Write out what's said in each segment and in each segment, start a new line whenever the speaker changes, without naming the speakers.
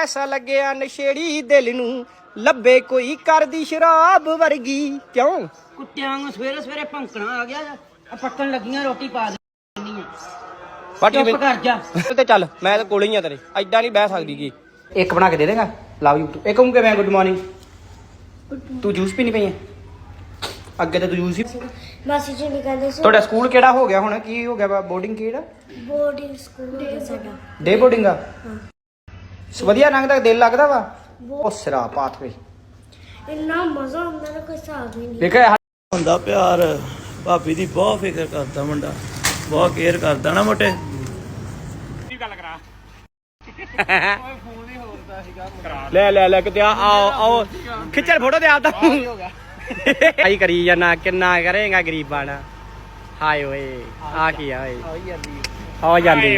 ਐਸਾ ਲੱਗਿਆ ਨਸ਼ੇੜੀ ਦਿਲ ਨੂੰ ਲੱਭੇ ਕੋਈ ਕਰਦੀ ਸ਼ਰਾਬ ਵਰਗੀ। ਕਿਉਂ
ਕੁੱਤਿਆਂ ਨੂੰ ਸਵੇਰੇ ਸਵੇਰੇ ਭੌਂਕਣਾ ਆ ਗਿਆ ਆ ਪੱਕਣ ਲੱਗੀਆਂ ਰੋਟੀ ਪਾ ਦੇਣੀ ਆ।
ਚੁੱਪ
ਕਰ ਜਾ
ਤੇ ਚੱਲ ਮੈਂ ਤਾਂ ਕੋਲੇ ਹੀ ਆ ਤੇਰੇ, ਐਦਾਂ ਨਹੀਂ ਬਹਿ ਸਕਦੀ ਕੀ। ਇੱਕ ਬਣਾ ਕੇ ਦੇ ਦੇਗਾ ਲਵ ਯੂ। ਇੱਕ ਕਹੂੰ ਕਿਵੇਂ ਗੁੱਡ ਮਾਰਨਿੰਗ। ਤੂੰ ਜੂਸ ਪੀਣੀ ਪਈ ਹੈ? ਅੱਗੇ ਤਾਂ ਤੂੰ ਜੂਸ ਹੀ।
ਮਾਸੀ ਜੀ ਨੇ ਕਹਿੰਦੇ ਸੀ
ਤੁਹਾਡਾ ਸਕੂਲ ਕਿਹੜਾ ਹੋ ਗਿਆ ਹੁਣ? ਕੀ ਹੋ ਗਿਆ ਵਾ? ਬੋਰਡਿੰਗ ਕਿਹੜਾ?
ਬੋਰਡਿੰਗ ਸਕੂਲ ਹੈ ਸਾਡਾ।
ਡੇ ਬੋਰਡਿੰਗ ਆ?
ਹਾਂ।
ਵਧੀਆ ਰੰਗ ਦਾ ਦਿਲ ਲੱਗਦਾ ਵਾ। ਉਹ ਸਿਰਾ ਪਾਥਵੇ
ਇੰਨਾ ਮਜ਼ਾ ਆਉਂਦਾ ਨਾ ਕੋਈ ਹਿਸਾਬ ਹੀ ਨਹੀਂ।
ਦੇਖਿਆ
ਹੁੰਦਾ ਪਿਆਰ। ਭਾਬੀ ਦੀ ਬਹੁਤ ਫਿਕਰ ਕਰਦਾ ਮੁੰਡਾ, ਬਹੁਤ ਕੇਅਰ ਕਰਦਾ ਨਾ ਮੋਟੇ।
ਕੀ ਗੱਲ ਕਰਾ ਲੈ ਲੈ ਲੈ ਕਿਤੇ ਆਓ ਆਓ ਖਿੱਚਰ ਫੋਟੋ ਤੇ ਆਪਦਾ ਆਈ ਕਰੀ ਜਾਣਾ। ਕਿੰਨਾ ਕਰੇਗਾ ਗਰੀਬਾਂ ਨਾਲ। ਹਾਏ ਓਏ ਆ ਕੀ ਆ ਓਏ ਹੋ ਜਾਂਦੀ।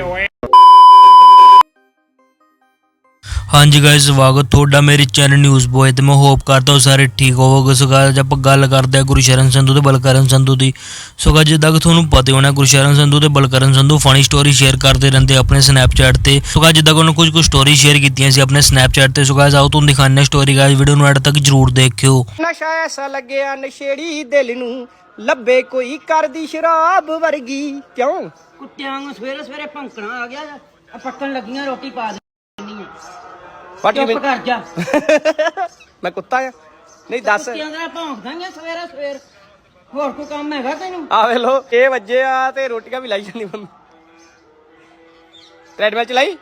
ਹਾਂਜੀ ਗਾਇਸ, ਸਵਾਗਤ ਤੁਹਾਡਾ ਮੇਰੇ ਚੈਨਲ ਨਿਊਜ਼ ਬੋਏ ਤੇ ਮੈਂ ਹੋਪ ਕਰਦਾ ਹਾਂ ਸਾਰੇ ਠੀਕ ਹੋਵੋਗੇ। ਸੋ ਗਾਇਸ ਆਪਾਂ ਗੱਲ ਕਰਦੇ ਹਾਂ ਗੁਰਸ਼ਰਨ ਸੰਧੂ ਤੇ ਬਲਕਰਨ ਸੰਧੂ ਦੀ। ਸੋ ਗਾਇਸ ਜਿੱਦਾਂ ਕਿ ਤੁਹਾਨੂੰ ਪਤਾ ਹੋਣਾ ਗੁਰਸ਼ਰਨ ਸੰਧੂ ਤੇ Balkaran Sandhu funny story share ਕਰਦੇ ਰਹਿੰਦੇ ਆਪਣੇ ਸਨੈਪਚੈਟ ਤੇ। ਸੋ ਗਾਇਸ ਜਿੱਦਾਂ ਕਿ ਉਹਨਾਂ ਕੁਝ ਸਟੋਰੀ ਸ਼ੇਅਰ ਕੀਤੀਆਂ ਸੀ ਆਪਣੇ ਸਨੈਪਚੈਟ ਤੇ। ਸੋ ਗਾਇਸ ਆਓ ਤੁਹਾਨੂੰ ਦਿਖਾਉਂਦੇ ਹਾਂ ਸਟੋਰੀ। ਗਾਇਸ ਵੀਡੀਓ ਨੂੰ ਐਡ ਤੱਕ ਜਰੂਰ ਦੇਖਿਓ।
ਨਸ਼ਾ ਐਸਾ ਲੱਗਿਆ ਨਸ਼ੇੜੀ ਦਿਲ ਨੂੰ ਲੱਭੇ ਕੋਈ ਕਰਦੀ ਸ਼ਰਾਬ ਵਰਗੀ। ਕਿਉਂ
ਕੁੱਤਿਆਂ ਨੂੰ ਸਵੇਰੇ ਸਵੇਰੇ ਭੌਂਕਣਾ ਆ ਗਿਆ ਆ ਪੱਕਣ ਲੱਗੀਆਂ ਰੋਟੀ ਪਾ ਦੇਣੀ ਆ। ਚੁੱਪ ਕਰ ਜਾ
ਮੈਂ ਕੁੱਤਾ ਆ? ਨਹੀਂ ਦੱਸ।
ਕੁੱਤਿਆਂ ਦਾ ਭੌਂਕਦਾ ਹੀ ਆ ਸਵੇਰੇ ਸਵੇਰ। ਹੋਰ ਕੋਈ ਕੰਮ ਹੈਗਾ ਤੈਨੂੰ?
ਆ ਵੇ ਲੋ 6 ਵਜੇ ਆ ਤੇ ਰੋਟੀਆਂ ਵੀ ਲਾਈ ਜਾਂਦੀ ਮੰਮੀ। ਟ੍ਰੈਡਮਿਲ ਚਲਾਈ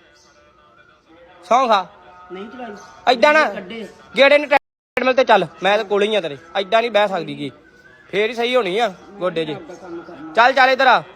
ਸੌਂ ਖਾ
ਨਹੀਂ ਚਲਾਈ
ਐਦਾਂ ਨਾ
ਕੱਢੇ
ਗੇੜੇ ਨੇ ਟ੍ਰੈਡਮਿਲ ਤੇ ਚੱਲ। ਮੈਂ ਤਾਂ ਕੋਲੇ ਹੀ ਆ ਤੇਰੇ, ਐਦਾਂ ਨਹੀਂ ਬਹਿ ਸਕਦੀ ਕੀ। ਫੇਰ ਹੀ ਸਹੀ ਹੋਣੀ ਆ ਗੋਡੇ ਜੀ। ਚੱਲ ਚੱਲ ਇਧਰ ਆ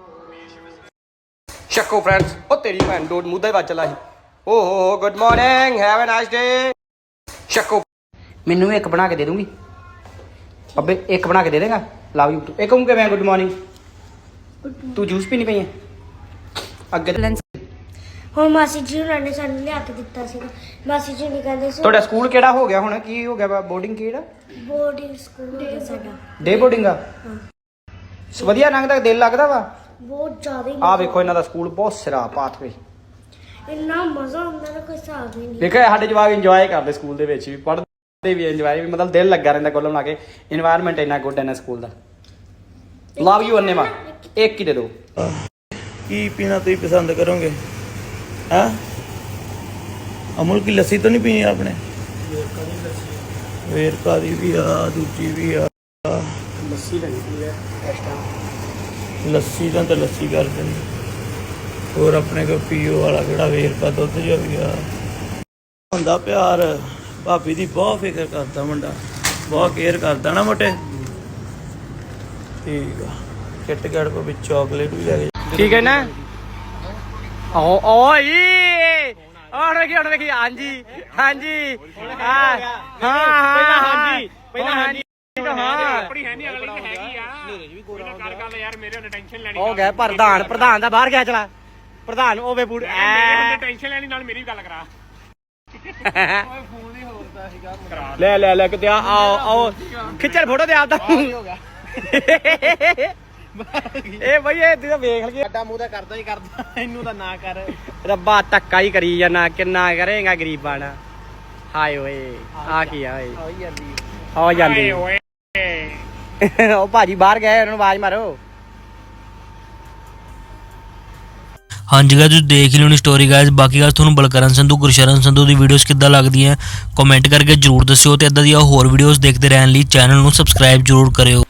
ਸ਼ੱਕੋ ਫਰੈਂਡਸ। ਉਹ ਤੇਰੀ ਭੈਣ ਡੋਡ ਮੂੰਹ ਦਾ ਹੀ ਵੱਜ ਚਲਾ ਸੀ। ਓ ਹੋ good morning have a nice day. Shakko ਮੈਨੂੰ ਇੱਕ ਬਣਾ ਕੇ ਦੇ ਦੂੰਗੀ ਅੱਬੇ? ਇੱਕ ਬਣਾ ਕੇ ਦੇ ਦੇਗਾ ਲਵ ਯੂ। ਇੱਕ ਕਹੂੰ ਕਿਵੇਂ ਗੁੱਡ ਮਾਰਨਿੰਗ। ਤੂੰ ਜੂਸ ਪੀਣੀ ਪਈ ਹੈ? ਅੱਗੇ
ਹੁਣ ਮਾਸੀ ਜੀ ਉਹਨਾਂ ਨੇ ਸਾਨੂੰ ਲਿਆ ਕੇ ਦਿੱਤਾ ਸੀ। ਮਾਸੀ ਜੀ ਨੇ ਕਹਿੰਦੇ ਸੀ
ਤੁਹਾਡਾ ਸਕੂਲ ਕਿਹੜਾ ਹੋ ਗਿਆ ਹੁਣ? ਕੀ ਹੋ ਗਿਆ ਵਾ? ਬੋਰਡਿੰਗ ਕਿਹੜਾ?
ਬੋਰਡਿੰਗ ਸਕੂਲ ਹੈ ਸਾਡਾ।
ਡੇ ਬੋਰਡਿੰਗ ਆ?
ਹਾਂ।
ਵਧੀਆ ਰੰਗ ਦਾ ਦਿਲ ਲੱਗਦਾ ਵਾ।
ਬਹੁਤ ਜ਼ਿਆਦਾ ਹੀ
ਆ ਵੇਖੋ ਇਹਨਾਂ ਦਾ ਸਕੂਲ ਬਹੁਤ ਸਿਰਾ ਪਾਥਵੇ।
ਇੰਨਾ ਮਜ਼ਾ ਆਉਂਦਾ ਨਾ ਕੋਈ ਹਿਸਾਬ ਹੀ ਨਹੀਂ।
ਦੇਖਿਆ ਸਾਡੇ ਜਵਾਕ ਇੰਜੋਏ ਕਰਦੇ ਸਕੂਲ ਦੇ ਵਿੱਚ ਵੀ, ਪੜ੍ਹਦੇ ਵੀ ਇੰਜੋਏ ਵੀ, ਮਤਲਬ ਦਿਲ ਲੱਗਾ ਰਹਿੰਦਾ ਕੋਲ ਲਾ ਕੇ। ਇਨਵਾਇਰਨਮੈਂਟ ਇੰਨਾ ਗੁੱਡ ਹੈ ਨਾ ਸਕੂਲ ਦਾ। Love you ਅੰਨੇਵਾ। ਇੱਕ ਹੀ ਦੇ ਦਿਓ।
ਕੀ ਪੀਣਾ ਤੁਸੀਂ ਪਸੰਦ ਕਰੋਗੇ? ਹਾਂ ਅਮੁਲ ਕੀ ਲੱਸੀ ਤਾਂ ਨਹੀਂ ਪੀਣੀ ਆਪਣੇ? ਵੇਰਕਾ ਦੀ ਵੀ ਆ, ਦੂਜੀ ਵੀ ਆ।
ਲੱਸੀ ਲੱਗਦੀ ਹੈ
ਲੱਸੀ ਤਾਂ ਲੱਸੀ ਕਰ ਦੇਣੀ। ਹੋਰ ਆਪਣੇ ਕੋਲ ਪੀਓ ਵਾਲਾ ਕਿਹੜਾ ਵੇਰਕਾ ਦੁੱਧ ਜਿਹਾ ਵੀ ਆ। ਹੁੰਦਾ ਪਿਆਰ। ਭਾਬੀ ਦੀ ਬਹੁਤ ਫਿਕਰ ਕਰਦਾ ਮੁੰਡਾ, ਬਹੁਤ ਕੇਅਰ ਕਰਦਾ ਨਾ ਮੋਟੇ। ਠੀਕ ਆ। ਕਿੱਟ ਕੈਟ ਕੋ ਵਿੱਚ ਚਾਕਲੇਟ ਵੀ ਲੈ ਕੇ।
ਠੀਕ ਹੈ ਨਾ? ਓ ਓਏ ਹੁਣ ਵੇਖੀ। ਹਾਂਜੀ ਹਾਂਜੀ ਹਾਂ ਹਾਂ ਹਾਂਜੀ ਪਹਿਲਾਂ ਹਾਂਜੀ ਆਪਣੀ ਹੈ ਨਹੀਂ ਅਗਲੀ ਤੇ ਹੈਗੀ ਆ। ਕਰ ਗੱਲ ਯਾਰ ਮੇਰੇ ਉਹਨੇ ਟੈਨਸ਼ਨ ਲੈਣੀ ਹੋ ਗਿਆ। ਪ੍ਰਧਾਨ ਦਾ ਬਾਹਰ ਗਿਆ ਚਲਾ। ਪ੍ਰਧਾਨ ਓਵੇ ਬੂੜ ਐ ਟੈਨਸ਼ਨ ਲੈਣੀ ਨਾਲ ਮੇਰੀ ਗੱਲ ਕਰਾ। ਫੋਨ ਹੀ ਹੋਰਦਾ ਸੀਗਾ। ਲੈ ਲੈ ਲੈ ਕਿਤੇ ਆਓ ਆਓ ਖਿੱਚਰ ਫੋਟੋ ਤੇ ਆਪਦਾ ਇਹ ਬਈ ਇਹ ਤੂੰ ਵੇਖ ਲਈਏ। ਸਾਡਾ ਮੂੰਹ ਤਾਂ ਕਰਦਾ ਹੀ ਕਰਦਾ, ਇਹਨੂੰ ਤਾਂ ਨਾ ਕਰ। ਰੱਬਾ ਧੱਕਾ ਹੀ ਕਰੀ ਜਾਣਾ। ਕਿੰਨਾ ਕਰੇਗਾ ਗਰੀਬਾਂ ਨਾਲ। ਹਾਏ ਓਏ ਆ ਕੀ ਆ ਓਏ ਹੋ ਜਾਂਦੀ। ਉਹ ਭਾਜੀ ਬਾਹਰ ਗਏ, ਉਹਨਾਂ ਨੂੰ ਆਵਾਜ਼ ਮਾਰੋ।
ਹਾਂਜੀ ਗਾਇਸ ਤੁਸੀਂ ਦੇਖ ਲਿਓ ਨੀ ਸਟੋਰੀ ਗਾਇਸ। ਬਾਕੀ ਗਾਇਸ ਤੁਹਾਨੂੰ ਬਲਕਰਨ ਸੰਧੂ ਗੁਰਸ਼ਰਨ ਸੰਧੂ ਦੀ ਵੀਡੀਓਜ਼ ਕਿੱਦਾਂ ਲੱਗਦੀਆਂ ਕਮੈਂਟ ਕਰਕੇ ਜਰੂਰ ਦੱਸਿਓ। ਤੇ ਇਦਾਂ ਦੀਆਂ ਹੋਰ ਵੀਡੀਓਜ਼ ਦੇਖਦੇ ਰਹਿਣ ਲਈ ਚੈਨਲ ਨੂੰ ਸਬਸਕ੍ਰਾਈਬ ਜਰੂਰ ਕਰਿਓ।